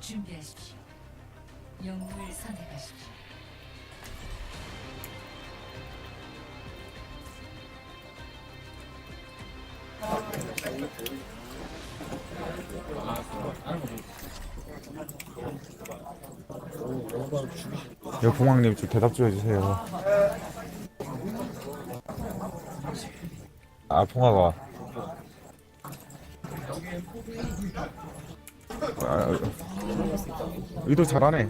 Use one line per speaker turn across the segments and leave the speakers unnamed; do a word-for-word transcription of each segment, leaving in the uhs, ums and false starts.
준비하십시오. 영웅을 선택하십시오.
여 봉황님 좀 대답 좀 해주세요. 아 봉화가 아, 의도 잘하네.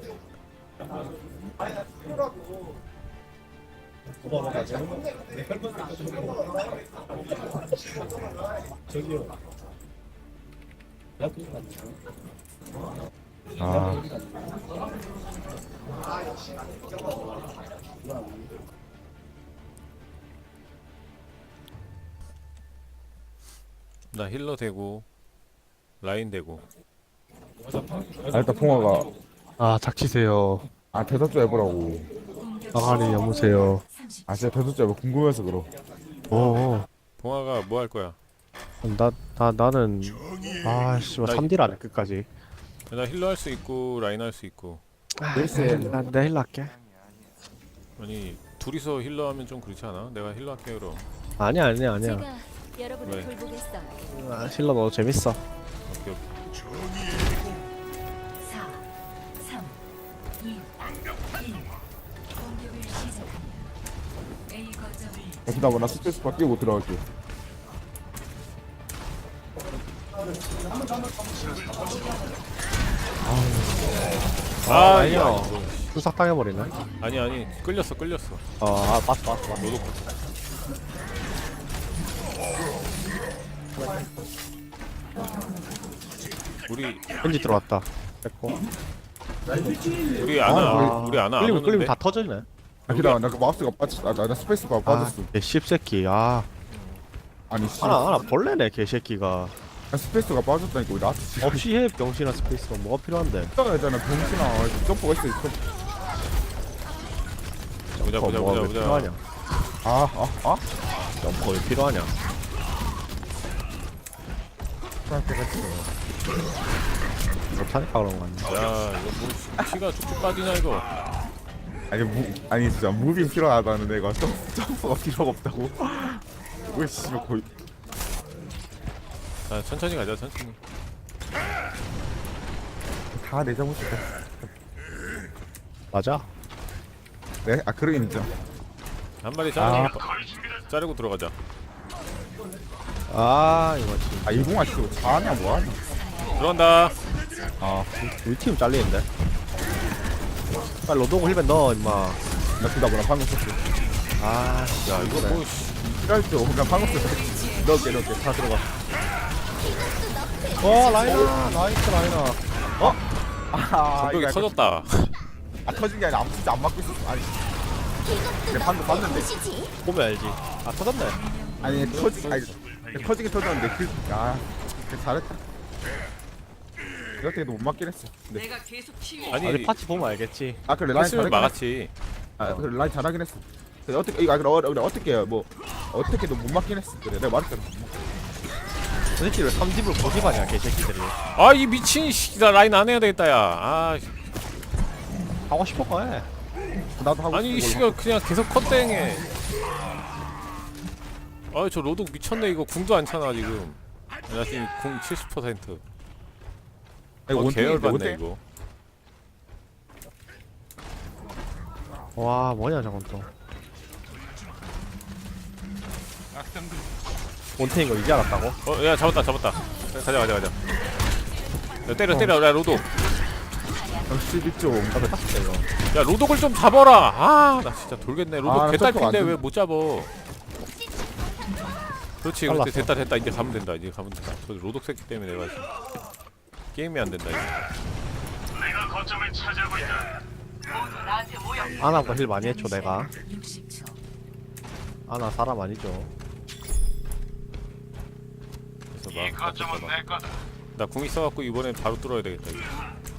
아
나 힐러 되고 라인 되고.
아, 일단 봉화가
아 닥치세요.
아 대답 좀 해보라고.
아가리 여보세요.
아 진짜 대답 좀 해봐. 궁금해서 그럼.
오.
봉화가 뭐 할 거야?
나, 나, 나는 아씨
나-
삼 딜 안해 끝까지.
나 힐러 할 수 있고 라인 할 수 있고.
글쎄
난내 힐러 할게.
아니 둘이서 힐러 하면 좀 그렇지 않아? 내가 힐러 할게 그럼.
아니야 아니야 아니야.
제가 여러분을
왜?
돌보겠어요.
아, 힐러 너 재밌어.
오케이 오케이.
사, 삼, 이, 일. 공격을 시작합니다. A 거점을
야, 기다려 나 스페이스 밖에 못 들어갈게.
아
아니요.
야,
수삭 당해버리네.
아니 아니 끌렸어 끌렸어.
어, 아 봤어 봤어 봤어.
너도 우리
왠지 들어왔다. 됐고.
우리 아나
아,
우리 아나 안
끌리면
오는데.
끌리면 다 터지네.
아 기다려 나그 마우스가 빠졌어. 아, 나, 나 스페이스 바
아,
빠졌어.
개 씹새끼. 아,
아니 씨.
하나 하나 벌레네 개새끼가.
아, 스페이스가 빠졌다니까 왜 나한테 지금
없이 해 병신아 스페이스가 뭐가 필요한데?
떠나잖아 병신아. 점프가 있어 점프.
보자 보자
뭐가
보자
왜
보자.
필요하냐?
아아 아?
점퍼 왜 필요하냐? 못하니까 그런 거 같네.
야 이거 뭐 피가 쭉쭉 빠지냐 이거.
아니 무 아니 진짜 무빙 필요하다는 애가 점 점프가 필요가 없다고. 왜 씨발 거의
자 천천히 가자 천천히.
다 내 잘못이다.
맞아.
네? 아 그러긴 인정.
한 마리 자르고 자르고 들어가자.
아 이거 진짜
아 이봉아 씨 잘하냐 뭐하냐.
들어간다.
아
우리 팀 잘리는데. 빨리 로도고 힐벤 넣어 임마.
나 기다려 나 방금 썼어.
아,
야 이거 뭐 씨.
필요할 줄 나 방금 썼어. 넣을게 넣을게 다 들어가.
와 라이나 나이스 라이나.
아
전벽이
이거
터졌다.
아 터진 게 아니라 아무 진짜 안 맞고 있었어. 아니 내 방금 봤는데
보면 알지. 아 터졌네.
아니 터지 아니 터지긴 터졌는데 그아 잘했다. 이렇게도 못 맞긴 했어. 근데
아니
아니 파츠 보면 알겠지.
아 그래 라인
했으면
잘하긴 했어.
막았지.
아 그래 라인 잘하긴 했어. 그래 어떻게 이거 아 그래 어, 그래 어떻게 해요 뭐 어떻게도 못 맞긴 했어. 그래 내가 말했잖아.
도대체 왜 삼 딥을 고집하냐 개새끼들이.
아 이 미친 씨나 라인 안 해야 되겠다 야. 아
하고 싶어 거 해.
나도 하고
아니 이
싶은
씨가 그냥 계속 컷땡해. 아 저 로독 미쳤네 이거 궁도 안 차나 지금. 나 지금 궁 칠십 퍼센트.
걸로.
어,
원탱인데,
계열 받네
원탱?
이거.
와 뭐냐 저건 또. 원태인 거 이제 알았다고?
어야 잡았다 잡았다. 가자 가자 가자. 야, 때려 때려 야 로독.
십이 점.
나도 탔을 이거.
야 로독을 좀 잡아라. 아 나 진짜 돌겠네. 로독
아, 나
개딸핀데
점프가 안
왜 못 잡어? 그렇지
잘랐어.
그렇지 됐다 됐다 이제 가면 된다 이제 가면 된다. 저 로독 새끼 때문에 내가 지금 게임이 안 된다 이거.
아나보다 힐 많이 했죠 내가.
육십 초.
아나 사람 아니죠.
그래서 막 나 궁 있어갖고 이번엔 바로 뚫어야 되겠다 이거.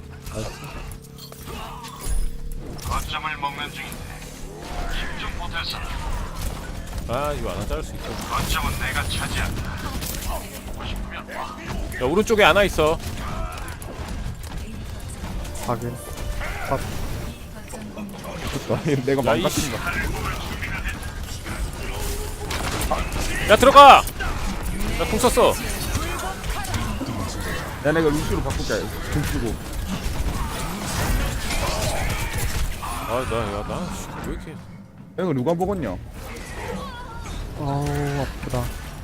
거점을 먹는 중인데 집중 못해서
아 이거 하나 자를 수 있어.
거점은 내가 차지한다. 보고 싶으면
야 오른쪽에 하나 있어.
확인.
좋다. 내가
야,
망가진다.
야 들어가. 나 궁 썼어.
야 내가 루시로 바꿀게. 돈 쓰고.
아나야나왜 이렇게
야, 이거 누가 먹었냐?
아우 아프다.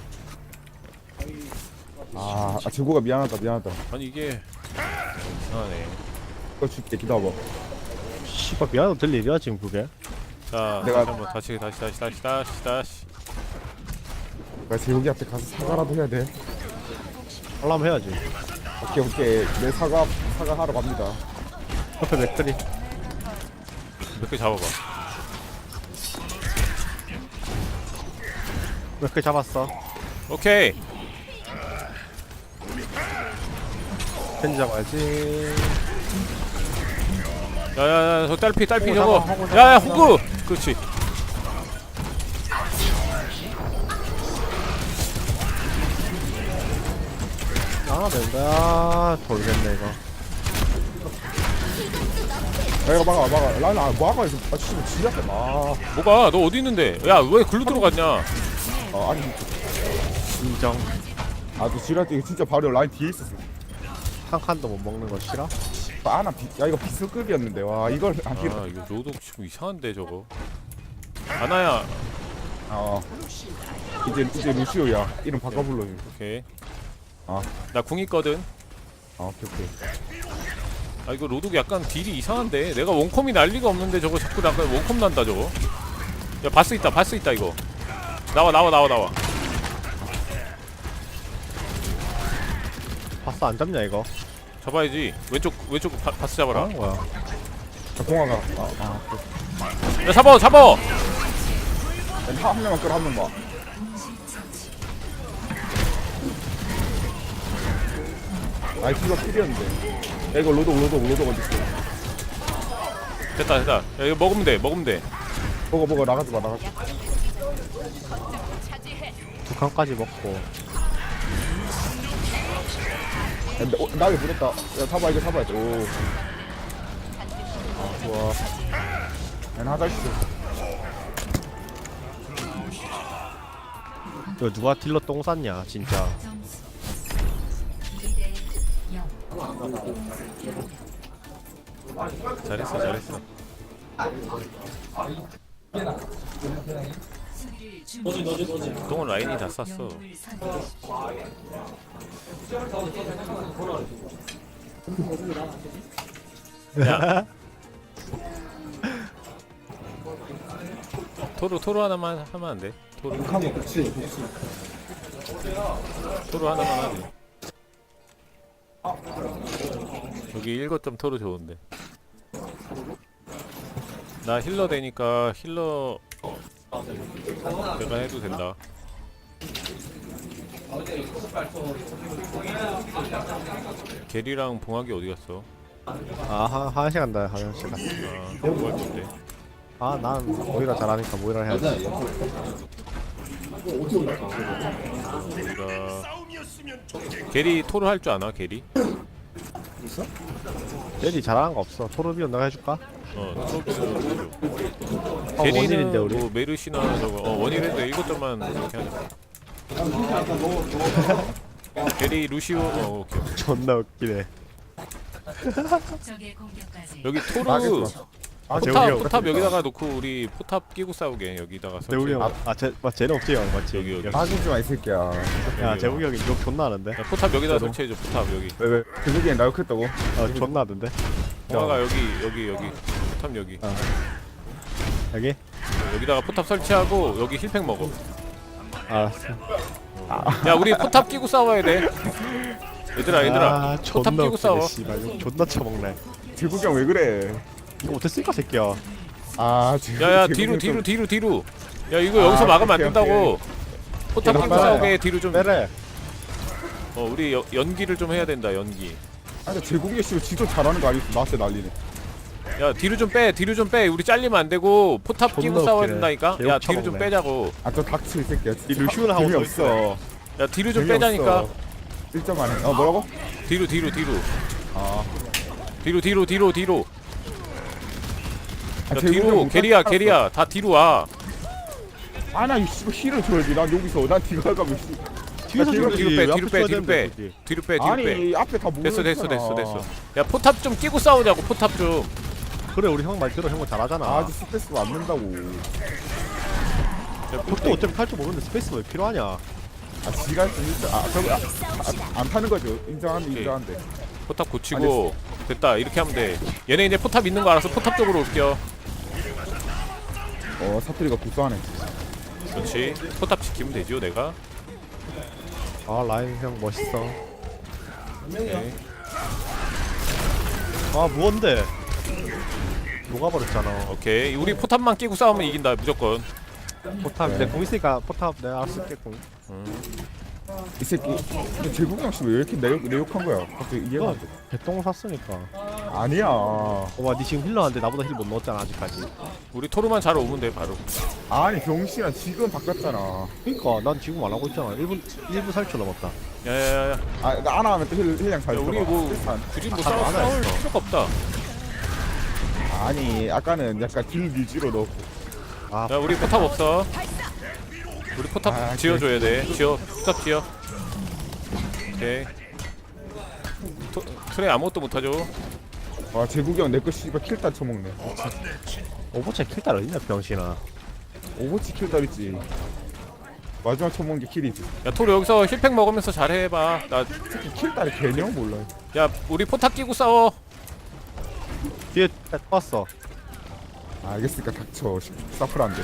아, 아 재고가 미안하다 미안하다.
아니 이게 이상하네.
이거 줄게 기다려봐.
씨발 미안해도 될 일이야 지금 그게.
자
내가-
다시 한번 다시 다시 다시 다시 다시 다시.
나 재욱이 앞에 가서 사과라도 해야 돼.
하려면 해야지.
오케이 오케이. 내 사과 사과 하러 갑니다.
옆에 맥들이.
몇 개 잡아봐.
몇 개 잡았어.
오케이.
펜 잡아야지.
야야야 저 딸피 딸피
오,
저거.
잡아, 호구,
야야
잡아,
호구. 그렇지.
아 된다. 아, 돌겠네 이거.
야 이거 막아 막아. 라인 아 막아 이거. 아 진짜 지렸다. 아,
뭐가 너 어디 있는데? 야 왜 글로 들어갔냐?
아 아니.
인정.
아너 지랄 때 이거 진짜 바로 라인 뒤에 있었어.
한 칸도 못 먹는 거 싫어?
아나 비, 야 이거 비스급이었는데 와 이걸 안 길.
아 이거 로독 좀 이상한데 저거. 아나야.
어. 이제 이제 루시오야. 이름 바꿔 불러.
오케이.
아.
나 궁 있거든.
아 오케이 오케이.
아 이거 로독 약간 딜이 이상한데. 내가 원컴이 날 리가 없는데 저거 자꾸 나 원컴 난다 저거. 야 바스 있다 바스 있다 이거. 나와 나와 나와 나와.
바스 안 잡냐 이거?
잡아야지. 왼쪽 왼쪽 바, 바스 잡아라.
뭐하는 거야?
자 공화가. 아 아.
야 잡아 잡아.
한 명만 끌어 한 명만. 아이 딜러 필이었는데. 야 이거 로독 로독 로독 어디 있어?
됐다 됐다. 야 이거 먹으면 돼 먹으면 돼.
먹어 먹어 나가지 마 나가지 마.
두 칸까지 먹고.
야, 어, 나게 물었다. 야 타봐 이거 타봐야 돼. 오. 아 좋아. 야 하자 있어.
이거 누가 딜러 똥 쌌냐 진짜.
점수 이 대 영.
잘했어 잘했어.
수비를 준비하십시오.
보통은 라인이 다 쐈어.
영웅을 선택하십시오.
야. 토로 토로 하나만 하면 안 돼? 토로. 토로 하나만 하지. 여기 일곱 점 토로 좋은데. 나 힐러 되니까 힐러 내가 해도 된다. 게리랑 봉학이 어디 갔어?
아한 한 시간 다 한 시간.
아, 뭐할 건데?
아난 모이라 잘하니까 모이라 해야지.
우리가 게리 토로 할 줄 아나? 게리?
젤리 잘하는 거 없어. 토르비온 내가 해줄까?
어, 토로 해줘.
어, 원일인데 우리.
뭐 메르시나 저거 어 원일인데 일곱 점만 이렇게 하자. 게리 루시오 어 오케이. 오케이.
존나 웃기네.
적의 공격까지
여기 토르
알겠어.
아
포탑
재욱이 형.
포탑 여기다가 놓고 우리 포탑 끼고 싸우게 여기다가
재욱이
설치.
형. 아쟤 맞 쟤는 없지 형 맞지?
여기, 여기.
빠지지 마이 새끼야.
야 재욱이 형이 욕 존나 하는데.
야, 포탑 여기다
진짜로?
설치해줘 포탑 여기.
왜 왜? 그저기엔 나 욕했다고?
어 존나 하던데.
봉화가 여기 여기 여기 포탑 여기.
어. 여기?
여기다가 포탑 설치하고 여기 힐팩 먹어.
알았어.
야 우리 포탑 끼고 싸워야 돼. 얘들아 얘들아
아,
포탑
존나
끼고 싸워.
웃기네 씨발 욕 존나 처먹네.
재국이 형 왜 그래?
이거 못했으니까 새끼야.
아 재국-
야야
재국이
뒤로
형
뒤로
좀-
뒤로 뒤로. 야 이거
아,
여기서 막으면 안
오케이,
된다고. 포탑 끼고
빼라.
싸우게 뒤로 좀.
빼래.
어 우리 여, 연기를 좀 해야 된다 연기.
아니 재국이 씨 지도 잘하는 거 아니었어? 나한테 난리네.
야 뒤로 좀 빼 뒤로 좀 빼. 우리 잘리면 안 되고 포탑
존나
끼고 싸워야
웃기네.
된다니까.
개욕
야 뒤로 좀
처먹네.
빼자고.
아저 닥쳐 이 새끼야.
이 루시오는 하고
없어.
야 뒤로 좀 빼자니까.
일 점 안에. 어 뭐라고?
뒤로 뒤로 뒤로.
아
뒤로 뒤로 뒤로 뒤로.
아,
야
제국이
뒤로
못
게리야
살았어.
게리야 다 뒤로 와.
아나 이 씨발 힐을 줘야지. 난 여기서 난 뒤가 가면 씨.
뒤에서
뒤로
죽여야지.
뒤로 빼
왜
뒤로
앞에
빼
쳐야
뒤로
되는데,
빼
굳이.
뒤로 빼 뒤로 빼.
아니 앞에 다 모여.
됐어 됐어 됐어 됐어. 야 포탑 좀 끼고 싸우자고 포탑 좀.
그래 우리 형 말 들어. 형은 잘하잖아.
아주 스트레스가 안 된다고.
또 어차피 탈 줄 모르는데 스페이스 왜 필요하냐?
아 지가 진짜 아 저거 아, 아, 안 타는 거죠. 인정하는
오케이.
인정한데.
포탑 고치고 됐다 이렇게 하면 돼. 얘네 이제 포탑 있는 거 알아서 포탑 쪽으로 올게요.
어 사투리가 구수하네.
그렇지. 포탑 지키면 되죠 내가.
아 라인 형 멋있어.
오케이.
아 무언데? 녹아버렸잖아.
오케이. 우리 포탑만 끼고 싸우면 이긴다 무조건.
포탑
네.
내 공 있으니까 포탑 내가 알아서 쓸게 공.
이 새끼. 근데 제국이 형씨 왜 이렇게 내욕 내욕한 거야? 갑자기 이해가
너
안 돼.
개똥 샀으니까.
아니야.
봐봐 니 지금 힐러한데 나보다 힐 못 넣었잖아 아직까지.
우리 토르만 잘 오면 돼 바로.
아니 병신아 지금 바꿨잖아.
그니까 난 지금 안 하고 있잖아. 일 분 일 분 사 초 넘었다.
야야야.
아, 나 안 하면 또 힐, 힐량 잘
야,
들어가.
우리 뭐
일단.
굳이 뭐
아,
싸울,
안
싸울
했어.
필요가 없다.
아니, 아까는 약간 딜 위주로 넣고.
아
야 우리 포탑 없어. 우리 포탑
아,
지어줘야 돼. 지어 포탑 지어. 오케이. 토, 트레 아무것도 못하죠.
와, 제국이 형 내 거 씨발 킬딸 쳐먹네.
오버체 킬달 어딨냐 병신아.
오버치 킬딸 있지. 마지막 쳐먹은 게 킬이지.
야 토르 여기서 힐팩 먹으면서 잘해봐. 나
특히 킬딸의 개념 몰라요.
야 우리 포탑 끼고 싸워.
뒤에 딱 봤어.
아, 알겠으니까 닥쳐. 사프란데.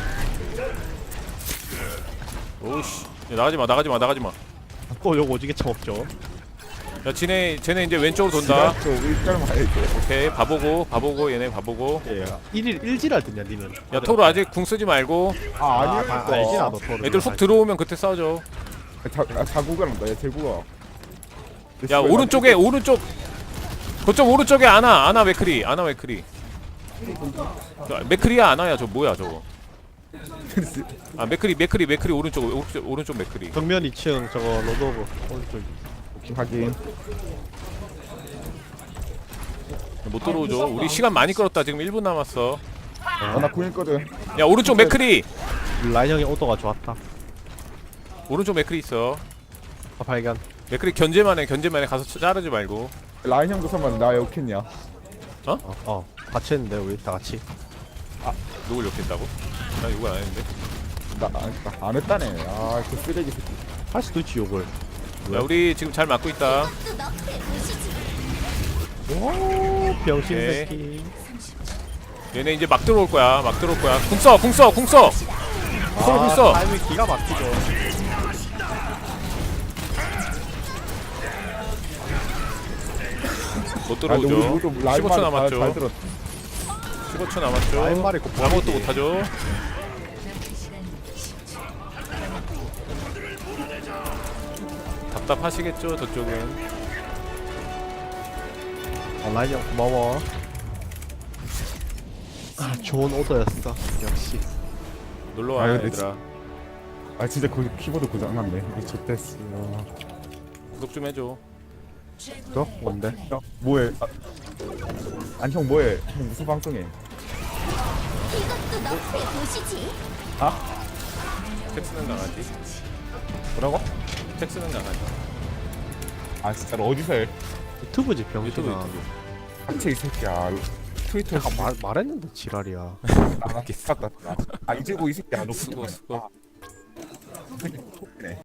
오씨. 야, 나가지마 나가지마 나가지마.
또 요거 오지게 쳐먹죠.
야 쟤네 쟤네 이제 왼쪽으로 돈다.
저 일절 말이지.
오케이 바보고 바보고 얘네 바보고.
예. 일일 일지랄 듣냐 니는.
야 토르 아직 궁 쓰지 말고.
아,
아,
아니야.
아, 알지 나도 토르.
애들 훅 들어오면 그때 싸우죠.
자, 아, 자국을 한다. 야, 제국아.
야 오른쪽에 오른쪽. 그쪽 오른쪽에 아나 아나 맥크리 아나 맥크리. 저, 맥크리야 아나야 저 뭐야 저거. 아 맥크리 맥크리 맥크리 오른쪽 오른쪽 오른쪽 맥크리.
정면 이 층 저거 로드 오브 오른쪽.
확인.
못 들어오죠. 우리 시간 많이 끌었다. 지금 일 분 남았어.
아, 나 구했거든.
야 오른쪽 맥크리.
라인 형의 오더가 좋았다.
오른쪽 맥크리 있어.
아, 발견.
맥크리 견제만 해. 견제만 해. 가서 자르지 말고.
라인 형도 설마 나 욕했냐?
어, 어 같이 했는데 우리 다 같이.
누굴 욕했다고? 나 욕을 안 했는데.
나, 안 했다. 안 했다네. 아, 그 쓰레기 새끼.
할 수도 있지 욕을.
야 우리 지금 잘 맞고 있다.
오 병신
오케이.
새끼.
얘네 이제 막 들어올 거야. 막 들어올 거야. 궁 써. 궁 써. 궁 써. 서로 궁 써.
타이밍 기가 막히죠.
못
아, 근데 우리
들어오죠.
모두 라인
십오 초
말을 잘- 잘
남았죠.
들었다.
십오 초 남았죠.
라인 말이 곱하기.
아무것도 못하죠. 답답하시겠죠 저쪽은.
아, 라인 형 고마워. 아, 좋은 오더였어. 역시.
놀러와
아유, 내
얘들아.
아, 진짜 그 키보드 고장났네. 이거 좋댔어.
구독 좀 해줘.
너 뭔데?
형, 뭐해? 아, 아니, 형 뭐해? 형 무슨 방송해?
텍스는 강아지.
뭐라고?
텍스는 강아지.
아, 진짜로 어디서 해?
유튜브지
유튜브
병신아.
유튜브.
한채 이 새끼야. 트위터에
내가 말 말했는데 지랄이야.
나갔다. 아, 이제 뭐 이 새끼야. 너
수고 수고.
이 새끼 톡이네.